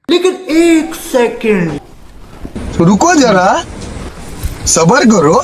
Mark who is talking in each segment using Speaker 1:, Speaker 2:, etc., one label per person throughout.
Speaker 1: लेकिन एक सेकंड,
Speaker 2: रुको जरा, सबर करो.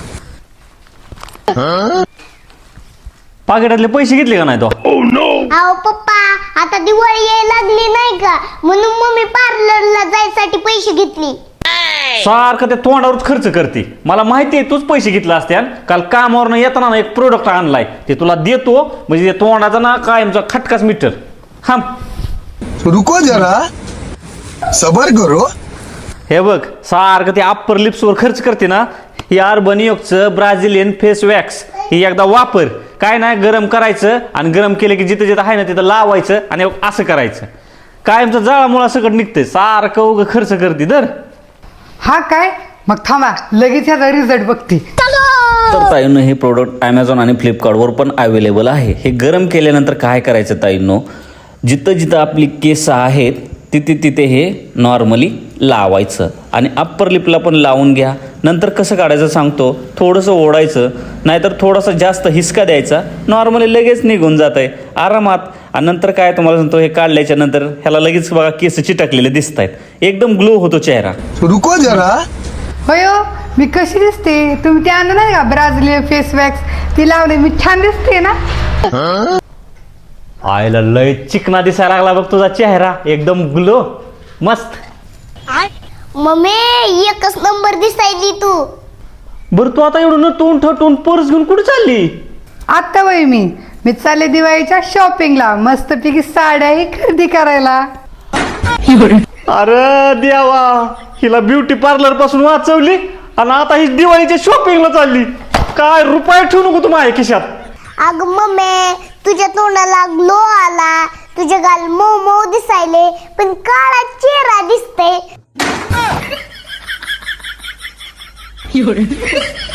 Speaker 3: पाकिटातले पैसे घेतले का नाही तो?
Speaker 4: अहो पप्पा, आता दिवाळी यायला लागली नाही का, म्हणून मम्मी पार्लरला जायसाठी पैसे घेतली.
Speaker 3: सारखं ते तोंडावरच खर्च करते. मला माहिती आहे तूच पैसे घेतला असत्या. काल कामावरनं येताना ना एक प्रोडक्ट आणलाय, ते तुला देतो म्हणजे ते तोंडाचा ना कायमचा खटकाच मीटर. थांब.
Speaker 2: रुको जरा, सबर करो.
Speaker 3: हे बघ, सारखं ते अप्पर लिप्सवर खर्च करते ना, ही अर्बन योगचं ब्राझिलियन फेस वॅक्स ही एकदा वापर. काय नाही, गरम करायचं आणि गरम केलं की जिथं जिथं आहे ना तिथं लावायचं आणि असं करायचं. कायमचं जाळामुळा सकट निघतंय. सारखं उगं खर्च करते तर.
Speaker 5: हा काय, मग थांबा लगेच ह्याचा रिझल्ट बघते.
Speaker 3: तर ताईंनो, हे प्रोडक्ट ॲमेझॉन आणि फ्लिपकार्टवर पण अवेलेबल आहे. हे गरम केल्यानंतर काय करायचं ताईंनो, जिथं जिथं आपली केस आहेत तिथे तिथे हे नॉर्मली लावायचं आणि अप्पर लिपला पण लावून घ्या. नंतर कसं काढायचं सांगतो. थोडंसं ओढायचं, नाहीतर थोडासा जास्त हिसका द्यायचा. नॉर्मली लगेच निघून जात आहे आरामात. आणि नंतर काय तुम्हाला सांगतो, हे काढल्याच्या नंतर ह्याला लगेच बघा केस चिटकलेले दिसत आहेत. एकदम ग्लो होतो चेहरा.
Speaker 2: रुको जरा.
Speaker 5: होय हो, मी कशी दिसते? तुम्ही ते आणलं नाही का ब्राझिलियन फेस वॅक्स, ती लावली, मी छान दिसते ना?
Speaker 3: आयला लय चिकना दिसायला लागला बघ तुझा चेहरा, एकदम ग्लो मस्त.
Speaker 4: मम्मी एकच नंबर दिसायली तू.
Speaker 3: बरं तू आता एवढं नटून ठटून पर्स घेऊन कुठे चालली?
Speaker 5: आत्ता वय मी चालले दिवाळीच्या शॉपिंगला, मस्तपैकी साड्याही खरेदी करायला.
Speaker 3: अरे देवा, हिला ब्युटी पार्लर पासून वाचवली आणि आता ही दिवाळीच्या शॉपिंगला चालली. काय रुपये ठेवू नको तू माझ्या खिशात.
Speaker 4: अगं मम्मी, तुझ्या तोंडाला ग्लो आला, तुझे गाल मऊ मऊ दिसायले, पण काळा चेहरा दिसते.